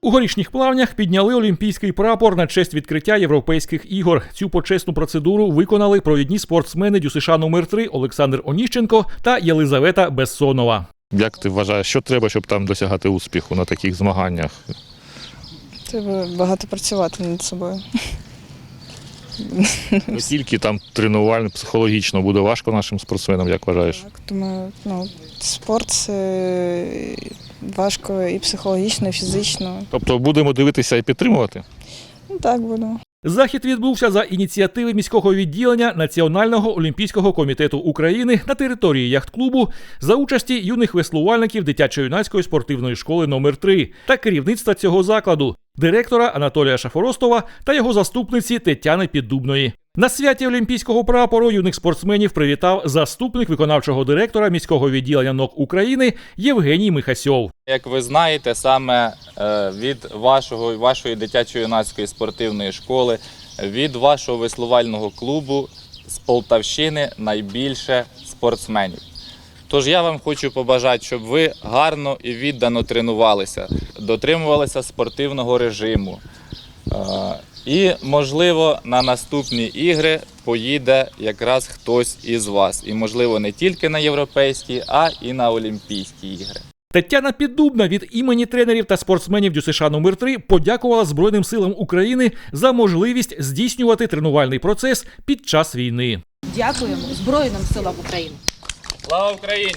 У Горішніх Плавнях підняли олімпійський прапор на честь відкриття Європейських ігор. Цю почесну процедуру виконали провідні спортсмени ДЮСШ номер 3 Олександр Оніщенко та Єлизавета Бессонова. Як ти вважаєш, що треба, щоб там досягати успіху на таких змаганнях? Треба багато працювати над собою. Не тільки там тренувально, психологічно буде важко нашим спортсменам, як вважаєш? Так, думаю, спорт – це важко і психологічно, і фізично. Тобто будемо дивитися і підтримувати? Так, будемо. Захід відбувся за ініціативи міського відділення Національного олімпійського комітету України на території яхт-клубу за участі юних веслувальників дитячо-юнацької спортивної школи номер 3 та керівництва цього закладу, директора Анатолія Шафоростова та його заступниці Тетяни Піддубної. На святі олімпійського прапору юних спортсменів привітав заступник виконавчого директора міського відділення НОК України Євгеній Михасьов. Як ви знаєте, саме від вашої дитячо-юнацької спортивної школи, від вашого веслувального клубу з Полтавщини найбільше спортсменів. Тож я вам хочу побажати, щоб ви гарно і віддано тренувалися, дотримувалися спортивного режиму. І, можливо, на наступні ігри поїде якраз хтось із вас. І, можливо, не тільки на європейські, а і на олімпійські ігри. Тетяна Піддубна від імені тренерів та спортсменів ДЮСШ номер 3 подякувала Збройним силам України за можливість здійснювати тренувальний процес під час війни. Дякуємо Збройним силам України. Слава Україні!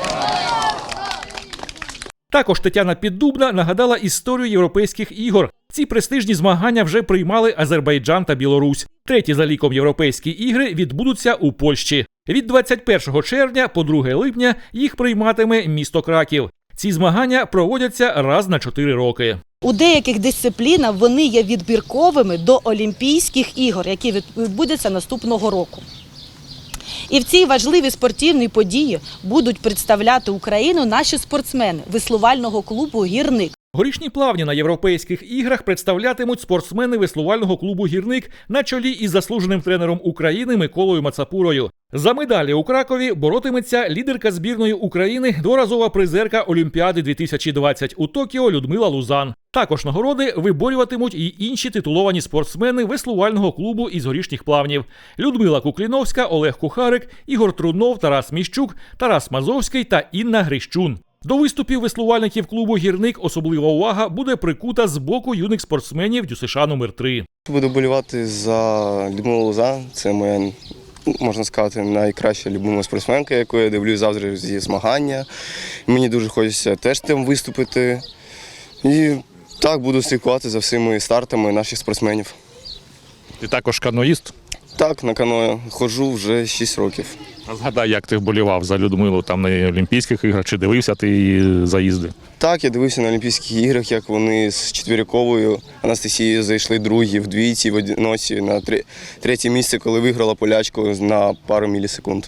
Також Тетяна Піддубна нагадала історію Європейських ігор. Ці престижні змагання вже приймали Азербайджан та Білорусь. Треті за ліком європейські ігри відбудуться у Польщі. Від 21 червня по 2 липня їх прийматиме місто Краків. Ці змагання проводяться раз на 4 роки. У деяких дисциплінах вони є відбірковими до Олімпійських ігор, які відбудуться наступного року. І в цій важливій спортивній події будуть представляти Україну наші спортсмени веслувального клубу «Гірник». Горішні Плавні на Європейських іграх представлятимуть спортсмени веслувального клубу «Гірник» на чолі із заслуженим тренером України Миколою Мацапурою. За медалі у Кракові боротиметься лідерка збірної України, дворазова призерка Олімпіади 2020 у Токіо Людмила Лузан. Також нагороди виборюватимуть і інші титуловані спортсмени веслувального клубу із Горішніх Плавнів. Людмила Кукліновська, Олег Кухарик, Ігор Трунов, Тарас Міщук, Тарас Мазовський та Інна Грищун. До виступів веслувальників клубу «Гірник» особлива увага буде прикута з боку юних спортсменів ДЮСШ номер 3. Буду болівати за Людмилу Лузан. Це моя, можна сказати, найкраща любима спортсменка, яку я дивлюсь завжди зі змагання. Мені дуже хочеться теж там виступити. І так буду слідкувати за всіми стартами наших спортсменів. Ти також каноїст? Так, на каное ходжу вже 6 років. А згадай, як ти вболівав за Людмилу там на Олімпійських іграх, чи дивився ти її заїзди? Так, я дивився на Олімпійських іграх, як вони з Четвіряковою Анастасією зайшли другі в двійці, в одиночці, на третє місце, коли виграла полячку на пару мілісекунд.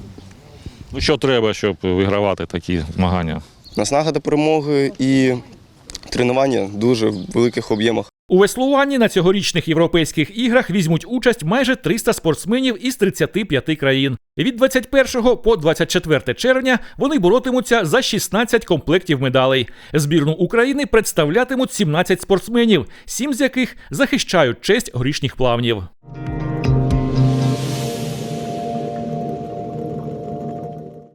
Ну що треба, щоб вигравати такі змагання? Наснага до перемоги і тренування дуже в великих об'ємах. У веслуванні на цьогорічних Європейських іграх візьмуть участь майже 300 спортсменів із 35 країн. Від 21 по 24 червня вони боротимуться за 16 комплектів медалей. Збірну України представлятимуть 17 спортсменів, 7 з яких захищають честь Горішніх Плавнів.